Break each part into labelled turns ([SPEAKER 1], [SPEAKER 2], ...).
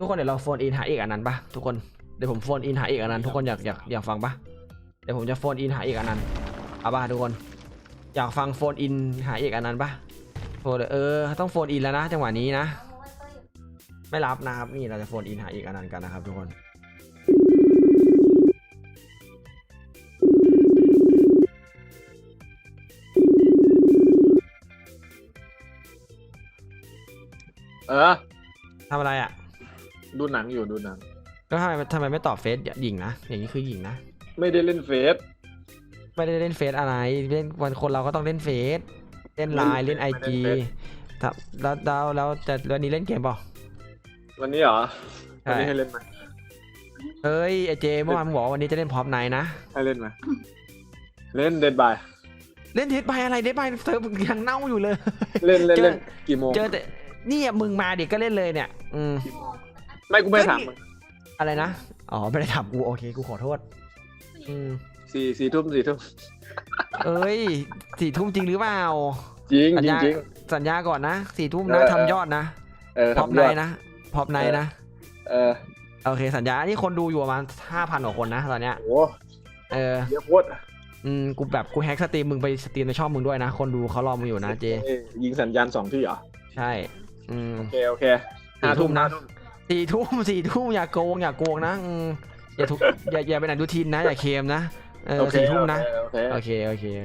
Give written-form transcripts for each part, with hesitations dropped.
[SPEAKER 1] ทุกคนเดี๋ยวเราโฟนอินหาเอกอันนั้นปะทุกคนเดี๋ยวผมโฟนอินหาเอกอันนั้นทุกคนอยากฟังปะเดี๋ยวผมจะโฟนอินหาเอกอันนั้นเอาปะทุกคนอยากฟังโฟนอินหาเอกอันนั้นปะโฟนต้องโฟนอินแล้วนะจังหวะนี้นะไม่รับนะครับนี่เราจะโฟนอินหาเอกอันนั้นกันนะครับทุกคนทำอะไรอ่ะ
[SPEAKER 2] ดูหนังอยู่ดูหนัง
[SPEAKER 1] ก็ทำไมไม่ตอบเฟซหญิงนะอย่างนี้คือหญิงนะ
[SPEAKER 2] ไม่ได้เล่นเฟซ
[SPEAKER 1] ไม่ได้เล่นเฟซอะไรเล่นวันคนเราก็ต้องเล่นเฟซเล่นไลน์เล่นไอจีแล้วจะวันนี้เล่นเกมเปล่า
[SPEAKER 2] วันนี้เหรอวันนี้ให้เล่นไหม
[SPEAKER 1] เฮ้ยไอเจเมื่อวานมึงบอกวันนี้จะเล่นพร็อพไนท์นะ
[SPEAKER 2] ให้เล่นไหมเล่นเดดบาย
[SPEAKER 1] เล่นเดดบายอะไรเดดบายเธอยังเน่าอยู่เลย
[SPEAKER 2] เล่นกี่โมง
[SPEAKER 1] เจอแต่นี่มึงมาเด็กก็เล่นเลยเนี่ย
[SPEAKER 2] ไม่กูไม่ถามมึง
[SPEAKER 1] อะไรนะอ๋อไม่ได้ถามกูโอเคกูขอโทษ
[SPEAKER 2] สี่ทุ่ม
[SPEAKER 1] เอ้ย4 ทุ่มจริงหรือเปล่า
[SPEAKER 2] จริง
[SPEAKER 1] สัญญาก่อนนะ4 ทุ่มนะทำยอดนะพร็อพไนท์นะพร็อพไนท์นะโอเคสัญญานี่คนดูอยู่ประมาณ 5,000 กว่าคนนะตอนเนี้ย
[SPEAKER 2] โอ้เยอะโคตร
[SPEAKER 1] กูแฮกสตรีมมึงไปสตรีมในช่องมึงด้วยนะคนดูเขารอมึงอยู่นะเจ
[SPEAKER 2] ยิงสัญญาณ2 ที่เหรอ
[SPEAKER 1] ใช่
[SPEAKER 2] โอเค5 ทุ่มนะ
[SPEAKER 1] 4 ทุ่มอย่าโกงนะอย่าเป็นอนุทินนะอย่าเคมนะ4 ทุ่มนะโอเค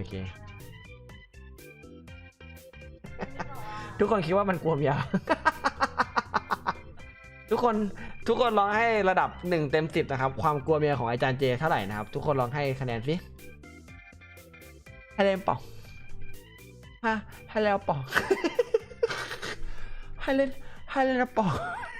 [SPEAKER 1] ทุกคนคิดว่ามันกลัวยาทุกคนลองให้ระดับ1 เต็ม 10นะครับความกลัวเมียของอาจารย์เจเท่าไหร่นะครับทุกคนลองให้คะแนนสิให้เล่นเปล่าให้แล้วเปล่าให้เล่นแล้วเปล่า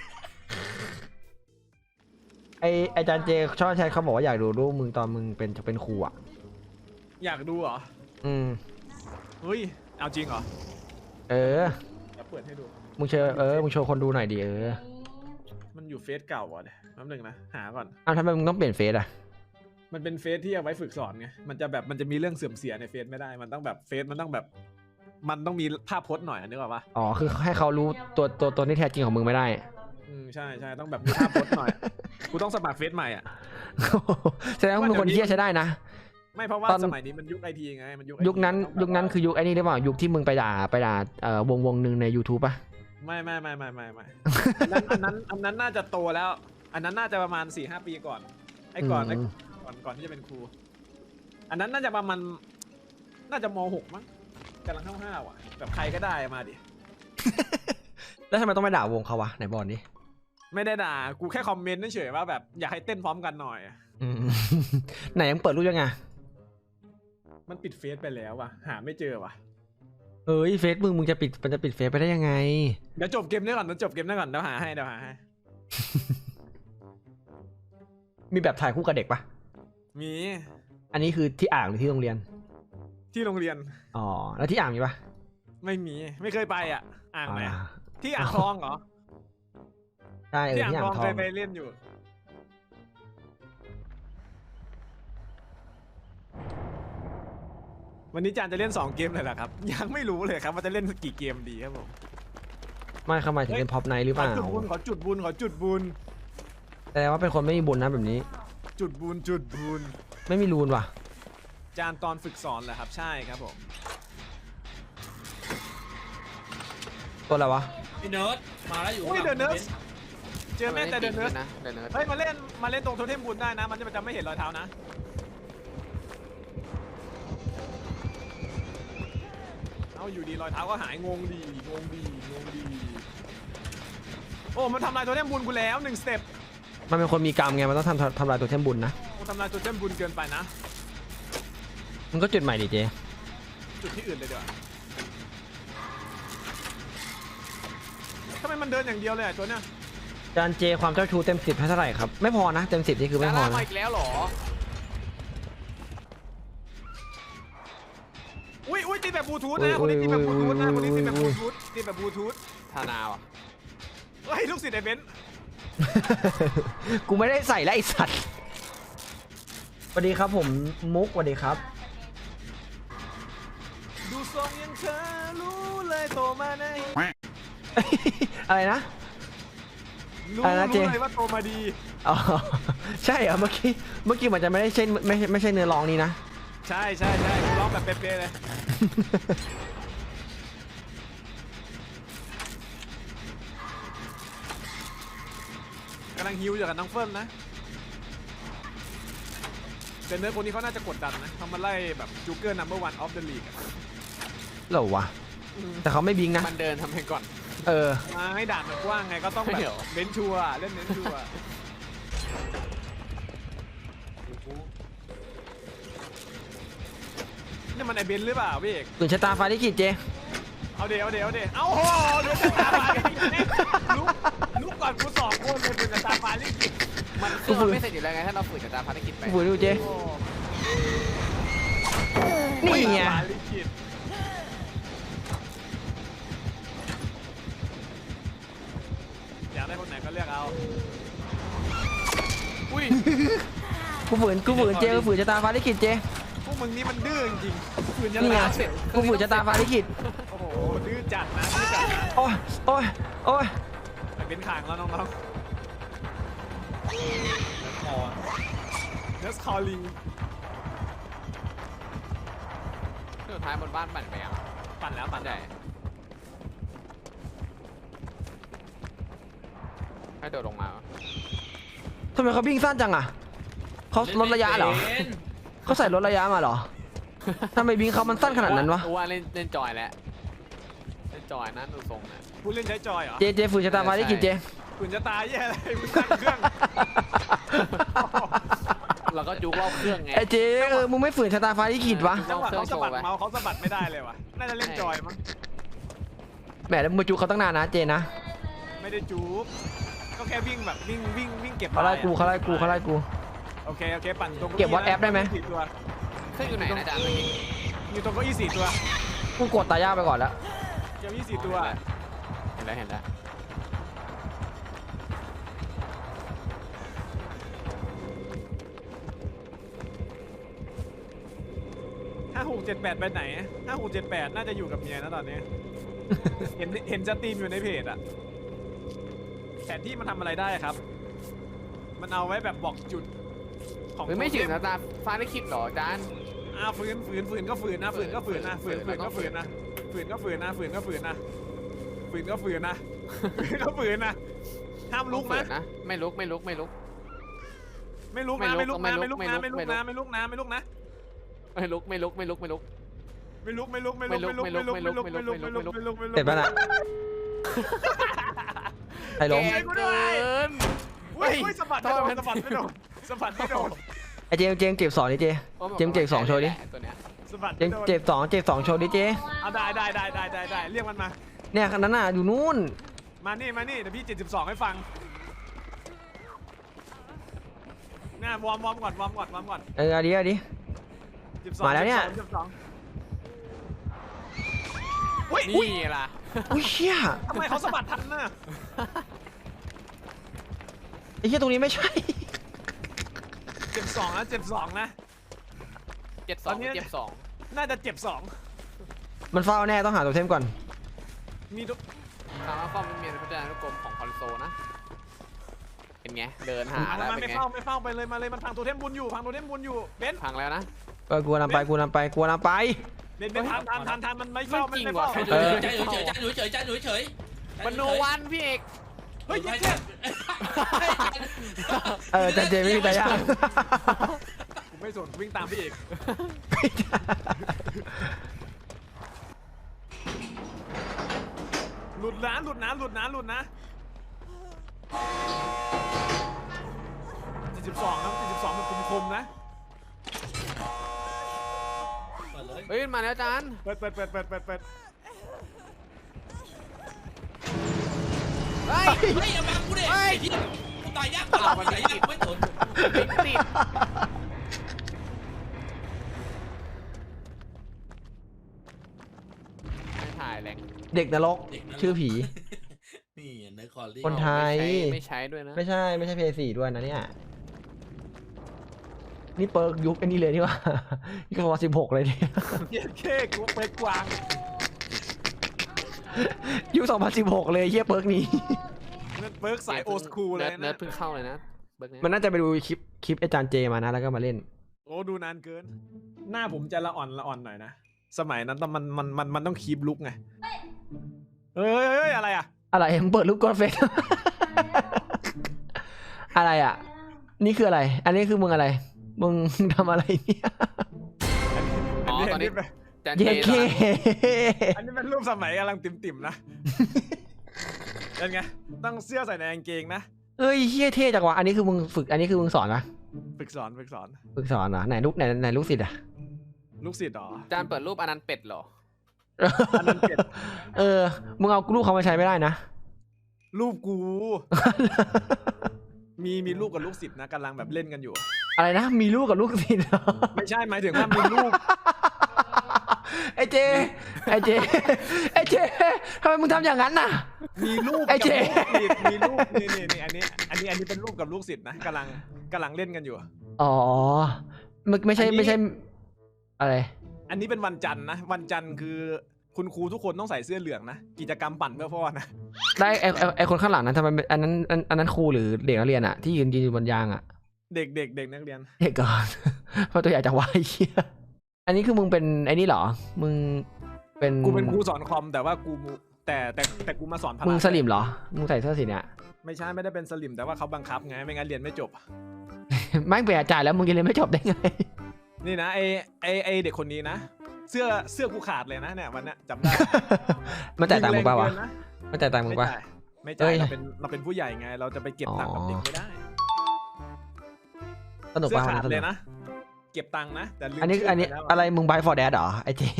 [SPEAKER 1] อาจารย์เจชอบใช้เขาบอกว่าอยากดูรูปมึงตอนมึงเป็นครูอ่ะ
[SPEAKER 3] อยากดูเหรอเฮ้ยเอาจริงเหรอจะเปิดให้ดู
[SPEAKER 1] มึงโชว์คนดูหน่อยดิ
[SPEAKER 3] มันอยู่เฟซเก่าอ่ะเนี่ยแป๊บนึงนะหาก่อน
[SPEAKER 1] ทำไมมึงต้องเปลี่ยนเฟซอ่ะ
[SPEAKER 3] มันเป็นเฟซที่เอาไว้ฝึกสอนไงมันจะมีเรื่องเสื่อมเสียในเฟซไม่ได้มันต้องแบบเฟซมันต้องมีภาพพจน์หน่อยนึกออกปะ
[SPEAKER 1] อ๋อคือให้เขารู้ตัวที่แท้จริงของมึงไม่ได้
[SPEAKER 3] ใช่ต้องแบบมีภาพพจน์หน่อยกูต้องสมัครเฟซใหม่อ่ะ
[SPEAKER 1] แสดงว่ามึงคนเที่ยใช้ได้นะ
[SPEAKER 3] ไม่เพราะว่าสมัยนี้มันยุคไอทีไงมัน
[SPEAKER 1] ยุคนั้นคือยุคไอ้นี่หรือเปล่ายุคที่มึงไปด่าวงหนึ่งใน YouTube ป่ะ
[SPEAKER 3] ไม่อันนั้นน่าจะโตแล้วอันนั้นน่าจะประมาณ 4-5 ปีก่อนก่อนที่จะเป็นครูอันนั้นน่าจะประมาณน่าจะม.6 มั้งกำลังห้าวๆอ่ะแบบใครก็ได้มาดิ
[SPEAKER 1] แล้วทำไมต้องไปด่าวงเขาวะไหนบอลนี่
[SPEAKER 3] ไม่ได้ด่ากูแค่คอมเมนต์เฉยๆว่าแบบอยากให้เต้นพร้อมกันหน่อย
[SPEAKER 1] ไหนยังเปิดรูปยังไง
[SPEAKER 3] มันปิดเฟซไปแล้วว่ะหาไม่เจอว่ะ
[SPEAKER 1] เฟซมึงจะปิดเฟซไปได้ยังไง
[SPEAKER 3] เดี๋ยวจบเกมนี้ก่อนเดี๋ยวหาให้
[SPEAKER 1] มีแบบถ่ายคู่กับเด็กปะ
[SPEAKER 3] มี
[SPEAKER 1] อันนี้คือที่อ่างหรือที่โรงเรียน
[SPEAKER 3] ที่โรงเรียน
[SPEAKER 1] อ๋อแล้วที่อ่างมีปะ
[SPEAKER 3] ไม่มีไม่เคยไปอ่ะอ่างไหนที่อ่างทองเหรอ
[SPEAKER 1] ใช่
[SPEAKER 3] ที่อ่างทองเคยไปเล่นอยู่วันนี้จานจะเล่น2 เกมเลยเหรอครับยังไม่รู้เลยครับว่าจะเล่นกี่เกมดีครับผม
[SPEAKER 1] ไม่เข้ามาถึงเป็นพ็อปไนท์หรือเปล่า
[SPEAKER 3] ขอจุดบุญ
[SPEAKER 1] แต่ว่าเป็นคนไม่มีบุญนะแบบนี้
[SPEAKER 3] จุดบุญ
[SPEAKER 1] ไม่มีรูนว่ะ
[SPEAKER 3] จานตอนฝึกสอนแหละครับใช่ครับผม
[SPEAKER 1] ตัวอะไรวะ
[SPEAKER 4] พี่เนิร์ดมาแล้วอยู่
[SPEAKER 3] เดอะเนิร์ดเจอแม่แต่เดอะเนิร์ดเฮ้ยมาเล่นตรงโทเทมบุญได้นะมันจะไม่เห็นรอยเท้านะเอาอยู่ดีรอยเท้าก็หายงงดีโอ้มันทำลายโทเทมบุญกูแล้ว1 สเต็ป
[SPEAKER 1] มันเป็นคนมีกรรมไงมันต้องทำลายตัวเทมบุญนะ
[SPEAKER 3] ทำลายตัวเทมบุญเกินไปนะ
[SPEAKER 1] มันก็จุดใหม่ดิเจ
[SPEAKER 3] จุดที่อื่นเลยเดี๋ยวทำไมมันเดินอย่างเดียวเลยตัวเนี้ย
[SPEAKER 1] จานเจความเจ้าชู้เต็ม 10ให้เท่าไหร่ครับไม่พอนะเต็ม 10นี่คือไม่พอนะ
[SPEAKER 3] มาอีกแล้วหรออุ้ยตีแบบบลูทูธนะคนนี้ตีแบบบลูทูธ
[SPEAKER 4] ธานาวะ
[SPEAKER 3] เฮ้ยลูกศิษย์ไอ้เบนซ์
[SPEAKER 1] กูไม่ได้ใส่แล้วไอ้สัตว์สวัสดีครับผมมุกสวัสดีครับ
[SPEAKER 3] ดูทรงยังเธอรู้เลยโตมาใน
[SPEAKER 1] อะไรนะ
[SPEAKER 3] ดรู้
[SPEAKER 1] อะไรนะเจ
[SPEAKER 3] รู้เลยว่าโตมาดี
[SPEAKER 1] อ๋อใช่เหรอเมื่อกี้มันจะไม่ได้ใช่ไม่ใช่เนื้อร้องนี้นะ
[SPEAKER 3] ใช่ใช่ใช่ร้องแบบเป๊ะๆเลยกำลังฮิวอยู่กับน้องเฟิร์มนะเดนเนอร์คนนี้เขาน่าจะกดดันนะเขามาไล่แบบจูเกอร์นัมเบอร์วันออฟเดอะลีก
[SPEAKER 1] เหรอวะแต่เขาไม่บิงนะ
[SPEAKER 4] มันเดินทำให้ก่อน
[SPEAKER 1] เออ
[SPEAKER 3] มาให้ด่านมันกว้างไงก็ต้องแบ
[SPEAKER 4] เดี๋ยว
[SPEAKER 3] บเน้นชัวร์เล่นเน้นชัวร์นี่มันไอเบนหรือเปล่าพี่เอก
[SPEAKER 1] ตื่นชะตาฟ้าลิขิตเจ
[SPEAKER 3] เอาเดี๋ยวเอาโหเดี๋ยวจะตาฟ้าลิขิตลุกก่อนกูสองคนเลยเป็นตาฟ้าลิขิต
[SPEAKER 4] มันเครื่องมันไม่เสร็จอยู่แล้วไงถ้าเราฝืนกับตามภารกิจไป
[SPEAKER 1] ฝืนดูเจ
[SPEAKER 3] โอ้
[SPEAKER 1] นี่ไง
[SPEAKER 3] ตาฟ้าลิขิตอยากได้คนไหนก็เลือกเอา
[SPEAKER 4] อุ้ย
[SPEAKER 1] กูฝืนเจกูฝืนชะตาฟ้าลิขิตเจ
[SPEAKER 3] พวกมึงนี่มันดื้อจริงๆฝืนยัน
[SPEAKER 1] นี่ไง
[SPEAKER 3] ลาเสร็จ
[SPEAKER 1] กูฝืนชะตาฟ้าลิขิต
[SPEAKER 3] โอ้โหดื้อจัดนะดื้อจัดนะ
[SPEAKER 1] โอ้ยโอ้ยโอ้ย
[SPEAKER 3] ไอเบนขางแล้วน้องๆเนสคอลลิง
[SPEAKER 4] สุดท้ายบนบ้านปั่นไปอ่ะ
[SPEAKER 3] ปั่นแล้วปั่น
[SPEAKER 4] ใหญ่ให้โดดลงมา
[SPEAKER 1] ทำไมเขาวิ่งสั้นจังอ่ะเขาลดระยะเหรอเขาใส่ลดระยะมาเหรอทำไมบิงเขามันสั้นขนาดนั้นวะ
[SPEAKER 4] ว่าเล่นจอยแล้วเล่นจอยนะดูทรงนะ
[SPEAKER 3] ผู้เล่นใช้จอยเหรอ
[SPEAKER 1] เจฝืนชะตาฟ้าลิขิตเจ
[SPEAKER 3] คุณจะตายแย่เลยมึงตั้งเครื่อง
[SPEAKER 4] เราก็จุกรอบเครื่องไง
[SPEAKER 1] ไอเจมึงไม่ฝืนชะตาฟ้าลิขิตวะ
[SPEAKER 3] จังหวะเขาสะบัดเมาส์เขาสะบัดไม่ได้เลยวะน่าจะเล่นจอยมั้ง
[SPEAKER 1] แหมแล้วมึงมาจูเขาตั้งนานนะเจนะ
[SPEAKER 3] ไม่ได้จูบก็แค่วิ่งแบบวิ่งเก็บ
[SPEAKER 1] เขาไล่กูเขาไล่กูเขาไล่กู
[SPEAKER 3] โอเคปั่นตรง
[SPEAKER 1] เก็บ WhatsApp ได้ไหม
[SPEAKER 3] 4ตัว
[SPEAKER 4] เครื่องอยู่ไหนนะอาจารย์เมื่อกี้
[SPEAKER 3] อยู่ตรงเก้าอี้4ตัว
[SPEAKER 1] กูกดตายาไปก่อนแล้ว
[SPEAKER 3] เก้าอี้4ตัว
[SPEAKER 4] เห็นแล้ว
[SPEAKER 3] 5678ไปไหน5678น่าจะอยู่กับเมียนะตอนนี้ เห็นจะตีมอยู่ในเพจอะแผนที่มันทำอะไรได้ครับ มันเอาไว้แบบบอกจุดของ
[SPEAKER 4] ไม่ถึงนะตาฟ้าได้คิดหรออาจารย์
[SPEAKER 3] ฝืนก็ฝืนนะฝืนก็ฝืนนะฝืนก็ฝืนนะฝืนก็ฝืนนะฝืนก็ฝืนนะฝืนก็ฝืนนะฝืนก็ฝืนนะห้ามลุกนะ
[SPEAKER 4] ไม่ลุก
[SPEAKER 3] ไม่ลุกนะไม่ลุกนะไม่ลุกนะไม่ลุกนะไม่ลุกนะไม่ลุกนะไม่ลุก
[SPEAKER 1] เสร็จป่ะน่ะไอ้ล้ม
[SPEAKER 3] อุ้ยสะบัดไม่โดน
[SPEAKER 1] ไอ้เจเจ็บสองดิเจเจ็บสองโชว์ดิ
[SPEAKER 4] ตัวเนี้ย
[SPEAKER 3] สะบัด
[SPEAKER 1] เจ็บสองโชว์ดิเจ
[SPEAKER 3] เอาได้เรียกมันมา
[SPEAKER 1] เนี่ยคันนั้นน่ะอยู่นู่น
[SPEAKER 3] มานี่เดี๋ยวพี่72ให้ฟังน่าวอร์มก่อน
[SPEAKER 1] เอาดิ
[SPEAKER 3] 72
[SPEAKER 1] มาแล้วเนี่ย
[SPEAKER 3] อุ้ย
[SPEAKER 4] นี่ล่ะ
[SPEAKER 1] อุ้ยเชี่ย
[SPEAKER 3] ทำไมเขาสะบัดทันน่ะ
[SPEAKER 1] ไอ้เชี่ยตรงนี้ไม่ใช่
[SPEAKER 3] 72นะ
[SPEAKER 4] เจ็บสอง
[SPEAKER 3] น่าจะเจ็บ
[SPEAKER 1] มันเฝ้าแน่ต้องหาตัวเทมก่อน
[SPEAKER 3] 2มีทุก
[SPEAKER 4] ทางว่าความเป็นเมียนพัฒนานุกรมของคอนโซลนะเป็นไงเดินหาแล้ว
[SPEAKER 3] มัน
[SPEAKER 4] เป็น
[SPEAKER 3] ไม่
[SPEAKER 4] ไง
[SPEAKER 3] เฝ้าไปเลยมาเลยมันพังตัวเทมบุญอยู่เบน
[SPEAKER 4] พังแล้วนะ
[SPEAKER 1] กลัวนำไป
[SPEAKER 3] เบนทันมันไม่เฝ้า
[SPEAKER 4] จริงว่ะ
[SPEAKER 5] เฉย
[SPEAKER 4] มันโนวันพี่เอก
[SPEAKER 3] เฮ้ย
[SPEAKER 1] แต่เจไม่มีตายา
[SPEAKER 3] ผมไม่สนวิ่งตามพี่เอกหลุดนะ72ครับ72มันคมๆนะ
[SPEAKER 4] เฮ้ยมาแล้วอาจารย์
[SPEAKER 3] เปิด
[SPEAKER 4] เฮ้ย
[SPEAKER 5] เฮ้ยอย่ามากูเด็กที่กูตายยากไม่สน
[SPEAKER 4] ติดไม่ถ่ายแรง
[SPEAKER 1] เด็กนรกชื่อผี
[SPEAKER 5] นี่เนื้อคอลลี่
[SPEAKER 1] คนไทย
[SPEAKER 4] ไม่ใช้ด้วยนะ
[SPEAKER 1] ไม่ใช่เพย์4ด้วยนะเนี่ยนี่เปิร์กยุคอันนี้เลยนี่ว่านี่ก็ว่า16เลยเนี่ย
[SPEAKER 3] เย้เค้กกูไปกวาง
[SPEAKER 1] ยุค2016เลยเฮียเปิร์กนี้
[SPEAKER 3] นั่นเบิร์กสายโอสคูลเลย
[SPEAKER 4] เนิร์
[SPEAKER 3] นะ
[SPEAKER 4] ดเพิ่งเข้าเลยนะเบิร์กเนี่ย
[SPEAKER 1] มันน่าจะไปดูคลิปอาจารย์เจมานะแล้วก็มาเล่น
[SPEAKER 3] โอ้ดูนานเกิน หน้าผมจะละอ่อนหน่อยนะสมัยนั้นมันต้องคีบลุกไงเฮ้ยอะไรอ่ะ
[SPEAKER 1] อะไรมึงเปิดรูปกดเฟซ อะไรอ่ะ นี่คืออะไร อันนี้คือมึงอะไร มึงทำอะไรเนี่ย
[SPEAKER 4] อ๋อตอนนี้จาน
[SPEAKER 1] เย้
[SPEAKER 4] เจ
[SPEAKER 1] เค
[SPEAKER 3] อันนี้เป็นรูปสมัยกำลังติ่มๆนะเป็นไงต้องเสื้อใส่ในกางเกงนะ
[SPEAKER 1] เอ้ยเฮียเท่จังวะอันนี้คือมึงฝึก อันนี้คือมึงสอนปะ
[SPEAKER 3] ฝึกสอน
[SPEAKER 1] ฝึกสอนเหรอไหนลูกศิษย์อ่ะ
[SPEAKER 3] ลูกศิษย์เหรอ
[SPEAKER 4] จานเปิดรูปอนันต์เป็ดเหรอ
[SPEAKER 3] อันนั้นเป็ด
[SPEAKER 1] เออ มึงเอารูปเขามาใช้ไม่ได้นะ
[SPEAKER 3] รูปกู มีลูกกับลูกศิษย์นะกำลังแบบเล่นกันอยู่
[SPEAKER 1] อะไรนะ มีลูกกับลูกศิษย์เหรอ
[SPEAKER 3] ไม่ใช่หมายถึงว่ามีลูก
[SPEAKER 1] ไอเจทำไมมึงทำอย่างนั้นน่ะ
[SPEAKER 3] มีลูก
[SPEAKER 1] ไอ้
[SPEAKER 3] กับ
[SPEAKER 1] เจ๊
[SPEAKER 3] ลูกศิษย์มีลูกนี่อันนี้เป็นลูกกับลูกศิษย์นะกำลังเล่นกันอยู่
[SPEAKER 1] อ๋อไม่ใช่อะไร
[SPEAKER 3] อันนี้เป็นวันจันทร์นะวันจันทร์คือคุณครูทุกคนต้องใส่เสื้อเหลืองนะกิจกรรมปั่นเพื่อพ่อนะ
[SPEAKER 1] ได้ไอคนข้างหลังนั้นทำไมอันนั้นครูหรือเด็กนักเรียนอะที่ยืนอยู่บนยางอะ
[SPEAKER 3] เด็กนักเรียน
[SPEAKER 1] เด็กก่อน เพราะตัวใหญ่จะวายเชี่ยอันนี้คือมึงเป็นไอ้นี่เหรอ มึงเป็น
[SPEAKER 3] กูเป็นครูสอนคอมแต่ว่ากูแต่กูมาสอนพละ
[SPEAKER 1] มึงสลิมเหรอ มึงใส่เสื้อสีเนี่ย
[SPEAKER 3] ไม่ใช่ไม่ได้เป็นสลิมแต่ว่าเขาบังคับไงไม่งั้นเรียนไม่จบ
[SPEAKER 1] ไม่เป็นอาจารย์แล้วมึงยังเรียนไม่จบได้ไง
[SPEAKER 3] นี่นะไอเด็กคนนี้นะเสื้อกูขาดเลยนะเนี่ยวันนี้จำได้
[SPEAKER 1] มันจ่ายตังค์มึงป่าวะ
[SPEAKER 3] ยิแรงเกินนะ
[SPEAKER 1] มันจ่ายตังค์มึงป่ะ
[SPEAKER 3] ไม่
[SPEAKER 1] เอ้
[SPEAKER 3] จ่าย
[SPEAKER 1] ย
[SPEAKER 3] เราเป็นผู้ใหญ่ไง เราจะไปเก็บตังค์กับเด็กไม่ได้
[SPEAKER 1] สนุก
[SPEAKER 3] เสื้อ
[SPEAKER 1] ป่ะ
[SPEAKER 3] ขาด
[SPEAKER 1] สนุ
[SPEAKER 3] เล
[SPEAKER 1] ก
[SPEAKER 3] ยนะเก็บตังค์นะแต่ลืม
[SPEAKER 1] อันนี้
[SPEAKER 3] ชื่
[SPEAKER 1] อันนี้
[SPEAKER 3] ไปแล้ว
[SPEAKER 1] อะไรมึง buy for dad เหรอไอเจ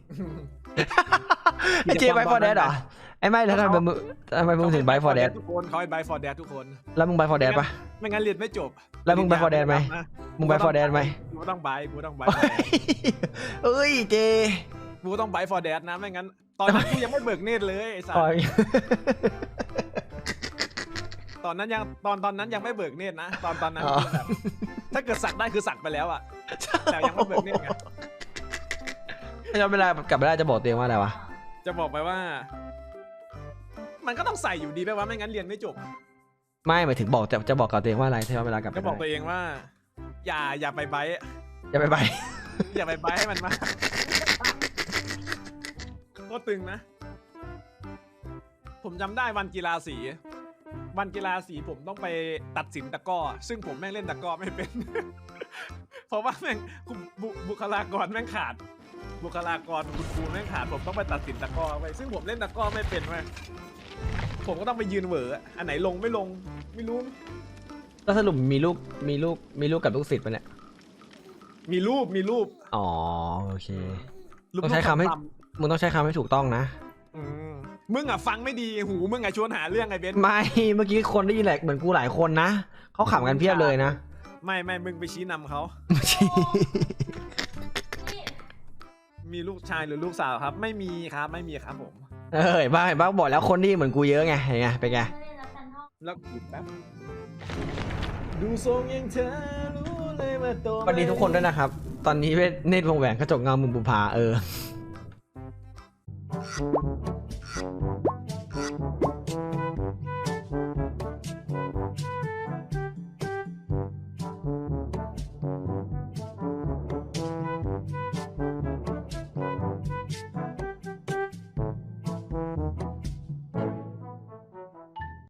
[SPEAKER 1] ไอเจ buy for dad เหรอไอไม่แล้วทำไมมึงถึง buy for dad
[SPEAKER 3] ทุกคนเขาให้ buy for dad ทุกคน
[SPEAKER 1] แล้วมึง buy for dad ป่ะ
[SPEAKER 3] ไม่งั้นเรียนไม่จบ
[SPEAKER 1] แล้วมึง buy for dad ไหม มึง buy for dad ไหม
[SPEAKER 3] กูต้อง buy
[SPEAKER 1] เอ้ยเจ
[SPEAKER 3] กูต้อง buy for dad นะไม่งั้นตอนนั้นกูยังไม่เบิกเนตรเลยไอ้สัส
[SPEAKER 1] ปล่อย
[SPEAKER 3] ตอนนั้นยังไม่เบิกเนตรนะตอนนั้นคือแบบถ้าเกิดสักได้คือสักไปแล้วอะแต่ยังไม่เบิกเนตรไง
[SPEAKER 1] ถ้าย้อนเวลากลับไปได้จะบอกตัวเองว่าอะไรวะ
[SPEAKER 3] จะบอกไปว่า มันก็ต้องใส่อยู่ดีไปว่าไม่งั้นเรียนไม่จบ
[SPEAKER 1] ไม่หมายถึงบอกจะบอกกับตัวเองว่าอะไรถ้าย้อนเวลากลับไป
[SPEAKER 3] จะบอกตัว
[SPEAKER 1] ได้
[SPEAKER 3] เองว่า อย่าไปไบท์
[SPEAKER 1] อย่าไป
[SPEAKER 3] อย่าไปไบท์ให้มันมากก็ตึงนะ ผมจำได้วันกีฬาสีผมต้องไปตัดสินตะกร้อซึ่งผมแม่งเล่นตะกร้อไม่เป็น เพราะว่าแม่งบุคลากรแม่งขาด บุคลากรคุณครูแม่งขาดผมต้องไปตัดสินตะกร้อไปซึ่งผมเล่นตะกร้อไม่เป็นเว้ยผมก็ต้องไปยืนเหวออันไหนลงไม่ลงไม่รู้
[SPEAKER 1] แล้วสรุปมีลูกกับลูกศิษย์ปะเนี่ย
[SPEAKER 3] มีรูป
[SPEAKER 1] อ๋อโอเค
[SPEAKER 3] รูป
[SPEAKER 1] ต้องใช้คำให้
[SPEAKER 3] รูป
[SPEAKER 1] มึงต้องใช้คำให้ถูกต้องนะ
[SPEAKER 3] อืมมึงอ่ะฟังไม่ดีหูมึงอ่ะชวนหาเรื่องไอ้เบนซ์
[SPEAKER 1] ไม่เมื่อกี้คนได้ยินแหละเหมือนกูหลายคนนะเขาขำกันเพียบเลยนะ
[SPEAKER 3] ไม่มึงไปชี้นำเขา มีลูกชายหรือลูกสาวครับ ไม่มีครับผม
[SPEAKER 1] เอ้ยบ้าบอกแล้วคนที่เหมือนกูเยอะไงเห็นไงเป็นไง
[SPEAKER 3] แล้วแป๊บดูทรงยังเธอรู้เลยว่าโต
[SPEAKER 1] สวัสดีทุกคนด้วยนะครับ ตอนนี้เนตรวงแหวนกระจกเงามุมบุพา